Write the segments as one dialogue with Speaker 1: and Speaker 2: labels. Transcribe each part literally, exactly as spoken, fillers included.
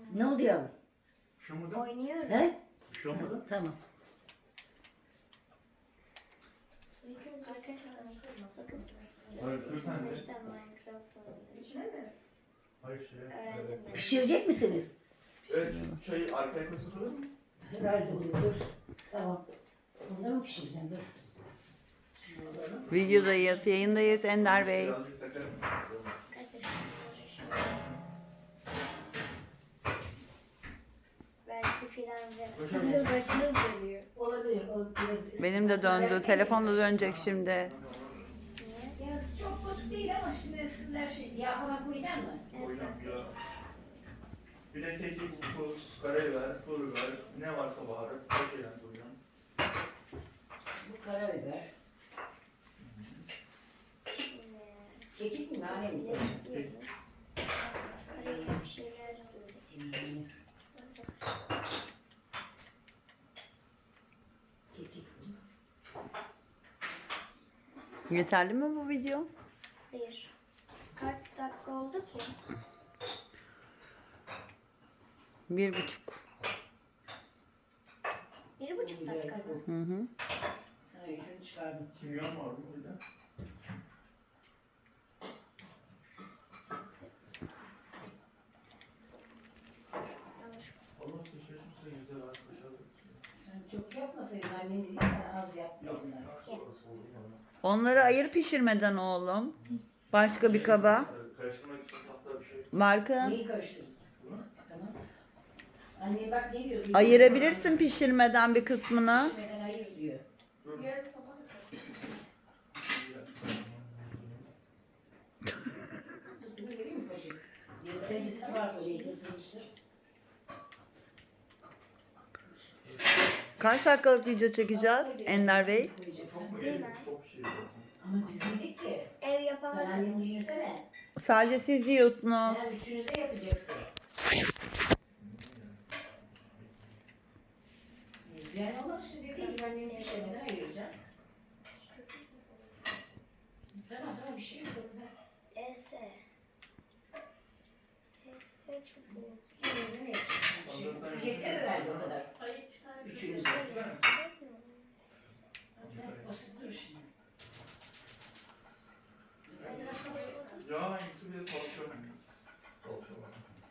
Speaker 1: Ne oldu yavrum?
Speaker 2: Bir şey olmadı.
Speaker 3: Oynuyorum.
Speaker 1: He?
Speaker 2: Bir şey olmadı.
Speaker 1: Tamam.
Speaker 3: Arkadaşlar bakın.
Speaker 2: Hayır, lütfen de.
Speaker 3: İşte Minecraft oynuyorum.
Speaker 2: Hayır şey.
Speaker 3: Öğrendim ben.
Speaker 1: Pişirecek misiniz?
Speaker 2: Evet şu şeyi arkaya koysa olur mu?
Speaker 1: Herhalde olur. Dur. Tamam. Bunu da mı pişireceğim? Dur. Şunu alalım.
Speaker 4: Videodayız, yayındayız Ender Bey.
Speaker 2: Birazcık takarım.
Speaker 3: Arkadaşlar belki filan başınız dönüyor.
Speaker 1: Olabilir. O biraz...
Speaker 4: Benim de döndü. Telefon da dönecek şimdi.
Speaker 1: Ya çok bozuk değil ama şimdi her şey yağ falan koyacak mı?
Speaker 2: Koyacağım ya. Bir de kekik, tuz, karabiber, pul biber, ne varsa baharat, her şeyden koyacağım.
Speaker 1: Bu karabiber.
Speaker 3: Şimdi
Speaker 1: Kekik mi? Nane mi?
Speaker 3: yapıyoruz. Karayla bir şeyler öğretiyoruz.
Speaker 1: Kekik.
Speaker 4: Yeterli mi bu video?
Speaker 3: Hayır. Kaç dakika oldu ki?
Speaker 4: Bir buçuk.
Speaker 3: Bir buçuk dakika mı?
Speaker 4: Hı hı.
Speaker 1: Sana üçünü çıkardım.
Speaker 2: Kimyon var mı burada?
Speaker 3: Yanlış.
Speaker 2: Allah şaşırsın size güzel arkadaşlar.
Speaker 1: Sen çok yapmasaydın annen dedi sen az yap diye bunlar.
Speaker 4: Onları ayır pişirmeden oğlum. Başka bir kaba.
Speaker 2: Karıştırmak için hatta bir şey.
Speaker 4: Marka.
Speaker 1: Neyi karıştırdın? Tamam. Anne bak ne diyor?
Speaker 4: Ayırabilirsin pişirmeden bir kısmını.
Speaker 1: Pişirmeden ayır diyor. Tutunu vereyim mi poşet? Bence var orayı ısınmıştır.
Speaker 4: Kaç dakikalık video çekeceğiz Ender Bey?
Speaker 2: Çok mu
Speaker 3: Değil
Speaker 2: yedik?
Speaker 3: mi?
Speaker 2: Çok şey yok.
Speaker 1: Ama biz yedik ki.
Speaker 3: Ev
Speaker 1: Sen
Speaker 3: yapamadım.
Speaker 1: annemi düşünsene.
Speaker 4: Sadece siz yiyorsunuz.
Speaker 1: Sen üçünüze yapacaksın. Yani olmaz şimdi değil. Annemi pişirmeden ayıracağım. Tamam tamam bir şey yok.
Speaker 3: Ese. Ese çubuğu.
Speaker 1: Üçünüze ne yapacaksın? Şey, yeter herhalde o kadar. Üçünüze. Basittir şimdi.
Speaker 2: Ya hangisi bir de salça var. Salça var.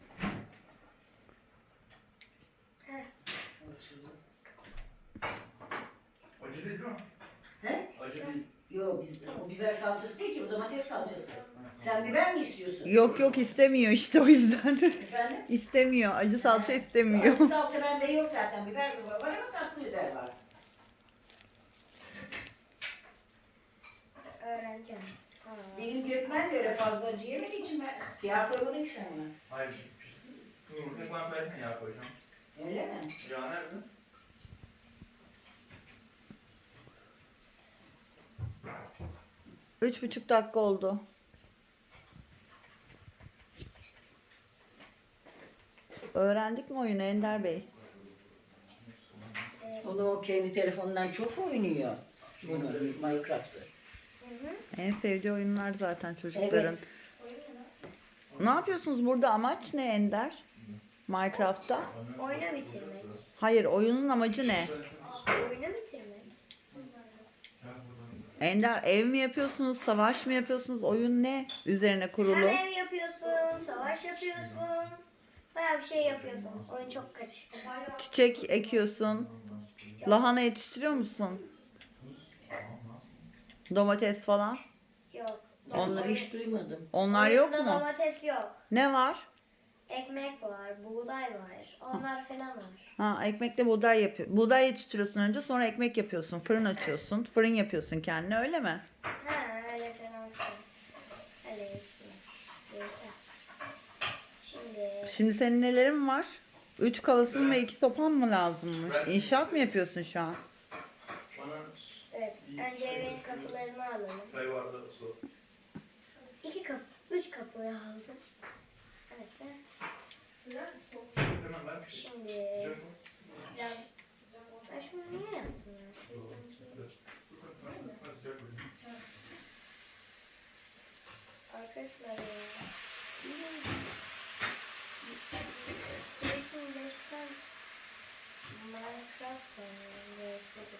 Speaker 2: Acı değil mi?
Speaker 1: He?
Speaker 2: Acı değil.
Speaker 1: Yok biz o biber salçası değil ki o domates salçası. Sen biber mi istiyorsun?
Speaker 4: Yok yok istemiyor işte o yüzden.
Speaker 1: Efendim?
Speaker 4: İstemiyor. Acı salça istemiyor.
Speaker 1: Acı salça bende yok zaten. Biber de var ama tatlı biber var.
Speaker 3: Öğreneceğim. Tamam.
Speaker 1: Benim Gökmen de öyle fazla acı yemediği için ben yağ koymadım ki sen ona.
Speaker 2: Hayır. Pişsin. Yumurta falan koyarken yağ koyacağım.
Speaker 1: Öyle mi?
Speaker 2: Yağ nerede?
Speaker 4: Üç buçuk dakika oldu. Öğrendik mi oyunu Ender Bey?
Speaker 1: O da o kendi telefonundan çok oynuyor. Bunu Minecraft'ı.
Speaker 4: En sevdiği oyunlar zaten çocukların.
Speaker 1: Evet.
Speaker 4: Ne yapıyorsunuz burada? Amaç ne Ender? Minecraft'ta?
Speaker 3: Oyunu bitirmek.
Speaker 4: Hayır, oyunun amacı ne?
Speaker 3: Oyunu bitirmek.
Speaker 4: Ender ev mi yapıyorsunuz, savaş mı yapıyorsunuz? Oyun ne üzerine kurulu?
Speaker 3: Hem ev yapıyorsun, savaş yapıyorsun. Bayağı bir şey yapıyorsun. Oyun çok karışık.
Speaker 4: Çiçek ekiyorsun. Lahana yetiştiriyor musun? Domates falan.
Speaker 3: Yok.
Speaker 1: Onları hiç duymadım.
Speaker 4: Onlar yok
Speaker 3: Oyunda
Speaker 4: mu?
Speaker 3: domates yok.
Speaker 4: Ne var?
Speaker 3: Ekmek var, buğday var. Onlar falan var.
Speaker 4: Ha, ekmekle buğday yapıyor. Buğday yetiştiriyorsun önce, sonra ekmek yapıyorsun. Fırın açıyorsun. Fırın yapıyorsun kendine, öyle mi?
Speaker 3: Ha öyle falan filan. Öyle yapıyor. Yeter. Şimdi
Speaker 4: Şimdi senin nelerin var? Üç kalasın ve iki sopan mı lazımmış? İnşaat mı yapıyorsun şu an?
Speaker 2: Bana
Speaker 3: evet, önce evin kapılarını alalım.
Speaker 2: çay vardı su.
Speaker 3: İki kapı, üç kapıyı aldım. Neyse.
Speaker 2: Hemen ver.
Speaker 3: Şimdi
Speaker 2: Sıcak mı?
Speaker 3: biraz... Ben şunu niye yaptım ya? Şuradan şey-
Speaker 2: Sıcak mı?
Speaker 3: Arkadaşlar ya. Resim beşten Minecraft oynuyorum.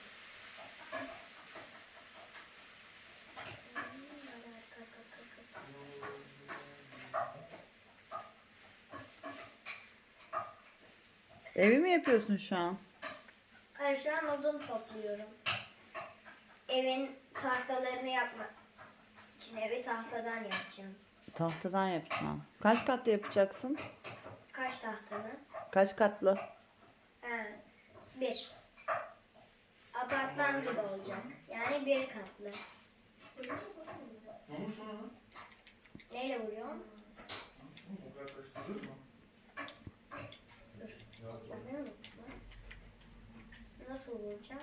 Speaker 4: Evi mi yapıyorsun şu an?
Speaker 3: Hayır, şu an odun topluyorum. Evin tahtalarını yapmak için evi tahtadan yapacağım.
Speaker 4: Tahtadan yapacağım. Kaç katlı yapacaksın?
Speaker 3: Kaç tahtanı?
Speaker 4: Kaç katlı?
Speaker 3: Ha, bir. Apartman gibi olacak. Yani bir katlı.
Speaker 2: Ne olmuş ona lan?
Speaker 3: Neyle vuruyorsun?
Speaker 2: O kadar karıştırılır mı?
Speaker 3: Dur.
Speaker 2: Ya,
Speaker 3: Ben ne unuttum lan? Nasıl vuracağım?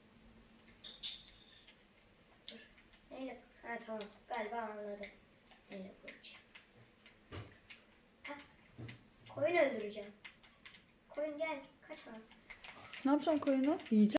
Speaker 3: Dur. Neyle? Ha tamam. Galiba anladım. Neyle vuracağım? Ha. Koyun öldüreceğim. Koyun gel. Kaçma.
Speaker 4: Ne yapacaksın koyunu? Yiyeceksin.